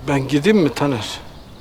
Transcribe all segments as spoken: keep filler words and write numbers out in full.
Ben gideyim mi Taner?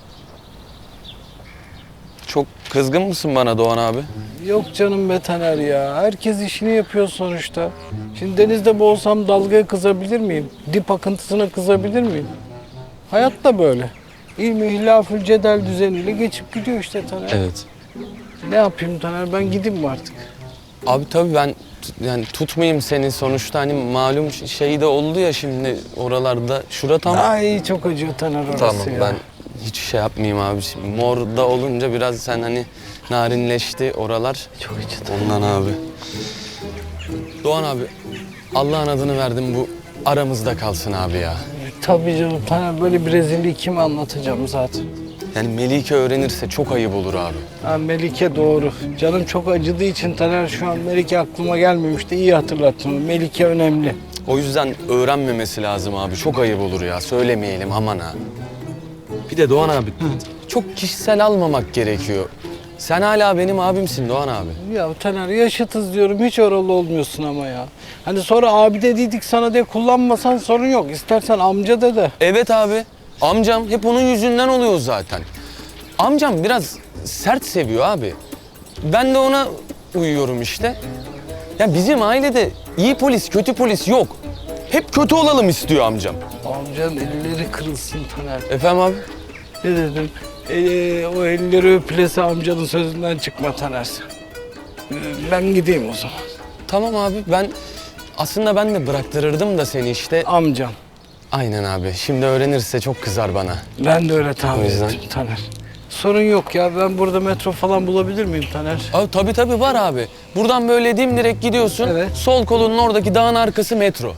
Çok kızgın mısın bana Doğan abi? Yok canım be Taner ya. Herkes işini yapıyor sonuçta. Şimdi denizde boğulsam dalgaya kızabilir miyim? Dip akıntısına kızabilir miyim? Hayat da böyle. İlmi hilafül cedel düzeniyle geçip gidiyor işte Taner. Evet. Ne yapayım Taner? Ben gideyim mi artık? Abi tabii ben t- yani tutmayayım seni sonuçta hani malum ş- şey de oldu ya şimdi oralarda. Şura tam. Ay çok acıyor Taner orası Tamam ya. ben hiç şey yapmayayım abi. Şimdi morda olunca biraz sen hani narinleşti oralar. Çok acıdı. Ondan abi. Doğan abi Allah'ın adını verdim bu aramızda kalsın abi ya. Tabii canım Taner, böyle bir rezilliği kime anlatacağım zaten. Yani Melike öğrenirse çok ayıp olur abi. Ha, Melike doğru. Canım çok acıdığı için Taner, şu an Melike aklıma gelmemişti. İyi hatırlattın. Melike önemli. O yüzden öğrenmemesi lazım abi. Çok ayıp olur ya. Söylemeyelim aman ha. Bir de Doğan abi çok kişisel almamak gerekiyor. Sen hala benim abimsin Doğan abi. Ya Taner, yaşıtız diyorum, hiç oralı olmuyorsun ama ya. Hani sonra abi dediydik sana diye kullanmasan sorun yok. İstersen amca de de. Evet abi. Amcam hep onun yüzünden oluyor zaten. Amcam biraz sert seviyor abi. Ben de ona uyuyorum işte. Ya bizim ailede iyi polis, kötü polis yok. Hep kötü olalım istiyor amcam. Amcanın elleri kırılsın Taner. Efendim abi? Ne dedim? Ee, o elleri öpülese amcanın sözünden çıkma Taner sen. Ee, ben gideyim o zaman. Tamam abi ben aslında ben de bıraktırırdım da seni işte. Amcam. Aynen abi. Şimdi öğrenirse çok kızar bana. Ben de öyle tahmin O yüzden- ettim Taner. Sorun yok ya, ben burada metro falan bulabilir miyim Taner? Abi tabii tabii var abi. Buradan böyle dimdirek gidiyorsun. Evet. Sol kolunun oradaki dağın arkası metro.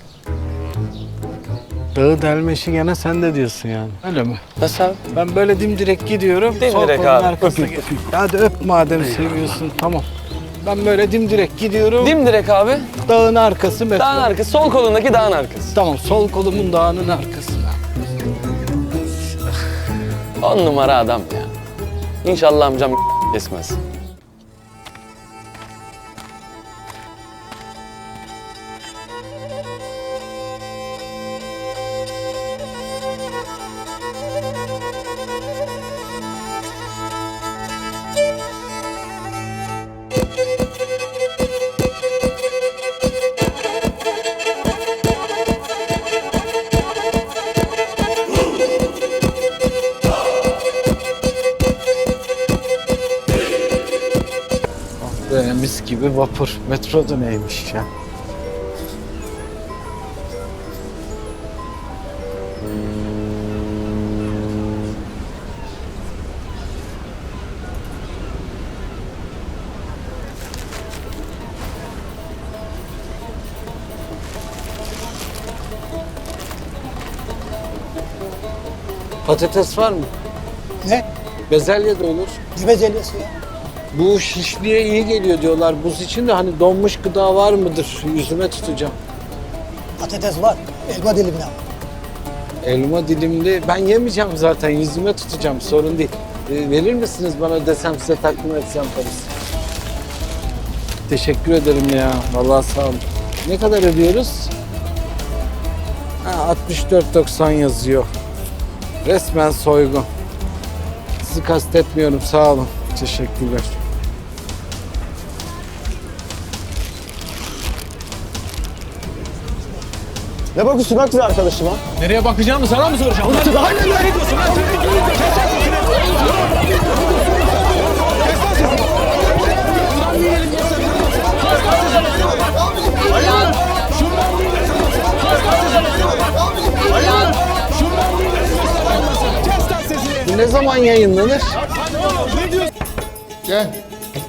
Dağı delmeşi gene sen de diyorsun yani. Öyle mi? Nasıl abi? Ben böyle dimdirek gidiyorum. Dimdirek sol kolun abi. arkasına gel- Hadi öp madem seviyorsun, tamam. Ben böyle dimdirek gidiyorum. Dimdirek abi. Dağın arkası metro. Dağın arkası. Sol kolundaki dağın arkası. Tamam, sol kolumun dağının arkasına. On numara adam ya. İnşallah amcam kesmez. Böyle mis gibi vapur. Metro da neymiş ya? Patates var mı? Ne? Bezelye de olur. Ne bezelyesi ya? Bu şişliğe iyi geliyor diyorlar. Buz için de hani donmuş gıda var mıdır? Yüzüme tutacağım. Patates var. Elma dilimine al. Elma dilimli. Ben yemeyeceğim zaten. Yüzüme tutacağım. Sorun değil. Ee, verir misiniz bana, desem size takdim etsem parası? Teşekkür ederim ya. Vallahi sağ olun. Ne kadar ödüyoruz? Ha, altmış dört doksan yazıyor. Resmen soygun. Sizi kastetmiyorum. Sağ olun. Teşekkürler. Ne bakıyorsun lan kız arkadaşıma? Nereye bakacağımı sana mı soracağım? Ulan daha ne diyorsun lan? Bu ne zaman yayınlanır? Gel.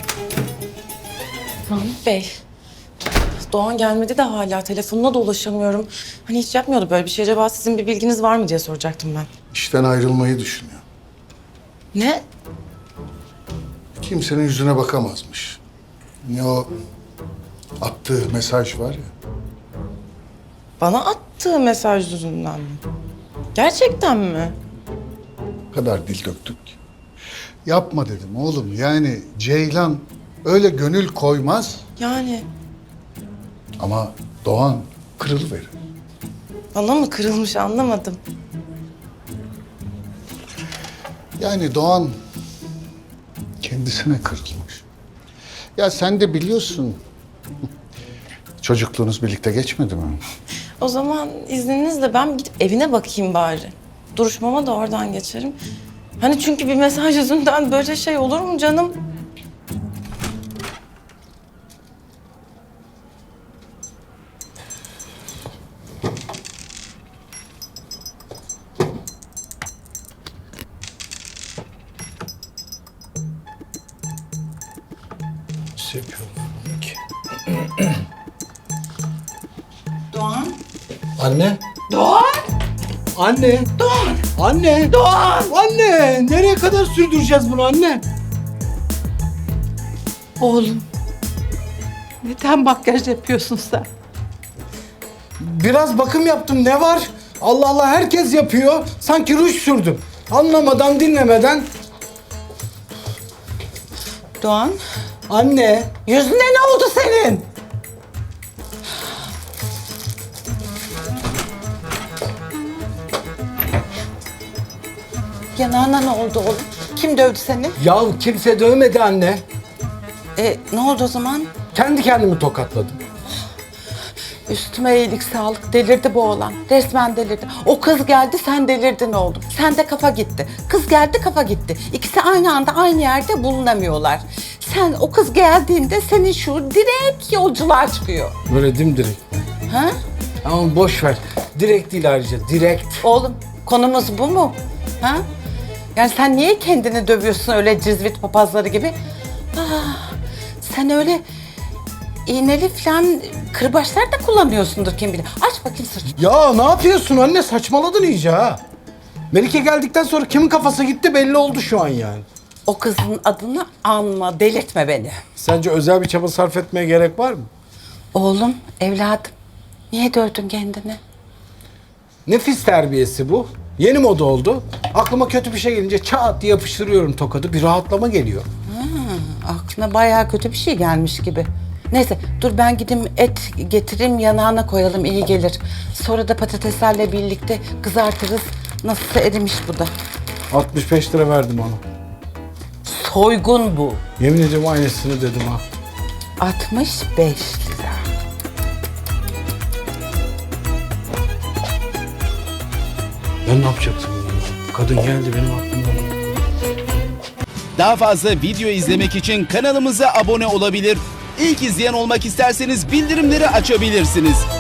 Mahmut Bey, Doğan gelmedi de hala telefonuna da ulaşamıyorum. Hani hiç yapmıyordu böyle bir şey. Acaba sizin bir bilginiz var mı diye soracaktım ben. İşten ayrılmayı düşünüyor. Ne? Kimsenin yüzüne bakamazmış. Ne o attığı mesaj var ya. Bana attığı mesaj yüzünden mi? Gerçekten mi? O kadar dil döktük ki. Yapma dedim oğlum. Yani Ceylan öyle gönül koymaz Yani ama Doğan kırılıverir. bana mı kırılmış anlamadım. Yani Doğan kendisine kırılmış. Ya sen de biliyorsun. Çocukluğunuz birlikte geçmedi mi? O zaman izninizle ben gidip evine bakayım bari. Duruşmama da oradan geçerim. Hani çünkü bir mesaj yüzünden böyle şey olur mu canım? Nasıl yapıyorum ki? Doğan. Anne. Doğan. Anne. Doğan. Anne. Doğan. Anne. Nereye kadar sürdüreceğiz bunu anne? Oğlum, neden makyaj yapıyorsun sen? Biraz bakım yaptım. Ne var? Allah Allah herkes yapıyor. Sanki ruj sürdüm. Anlamadan dinlemeden. Doğan, Anne. yüzüne ne oldu senin? Yanağına ne oldu oğlum? Kim dövdü seni? Ya kimse dövmedi anne. E, ne oldu o zaman? Kendi kendimi tokatladım. Üstüme iyilik sağlık. Delirdi bu oğlan. Resmen delirdi. O kız geldi, sen delirdin oğlum. Sen de kafa gitti. Kız geldi, kafa gitti. İkisi aynı anda aynı yerde bulunamıyorlar. Sen o kız geldiğinde senin şu direkt yolculuğa çıkıyor. Böyle dimdirek. Ha? Ama boş ver. Direkt değil ayrıca. Direkt. Oğlum, konumuz bu mu? Ha? Yani sen niye kendini dövüyorsun öyle cizvit papazları gibi? Ah, sen öyle iğneli falan kırbaçlar da kullanıyorsundur kim bilir. Aç bakayım sırtını. Ya ne yapıyorsun anne? Saçmaladın iyice ha. Melike geldikten sonra kimin kafası gitti belli oldu şu an yani. O kızın adını anma, delirtme beni. Sence özel bir çaba sarf etmeye gerek var mı? Oğlum, evladım, niye dövdün kendini? Nefis terbiyesi bu. Yeni moda oldu. Aklıma kötü bir şey gelince çat diye yapıştırıyorum tokadı. Bir rahatlama geliyor. Aklına bayağı kötü bir şey gelmiş gibi. Neyse, dur ben gideyim et getireyim yanağına koyalım, iyi gelir. Sonra da patateslerle birlikte kızartırız. Nasılsa erimiş bu da. altmış beş lira verdim ona. Soygun bu. Yemin ediyorum aynısını dedim ha. altmış beş lira. Ben ne yapacaktım ya? Kadın geldi benim aklımdan. Daha fazla video izlemek için kanalımıza abone olabilir. İlk izleyen olmak isterseniz bildirimleri açabilirsiniz.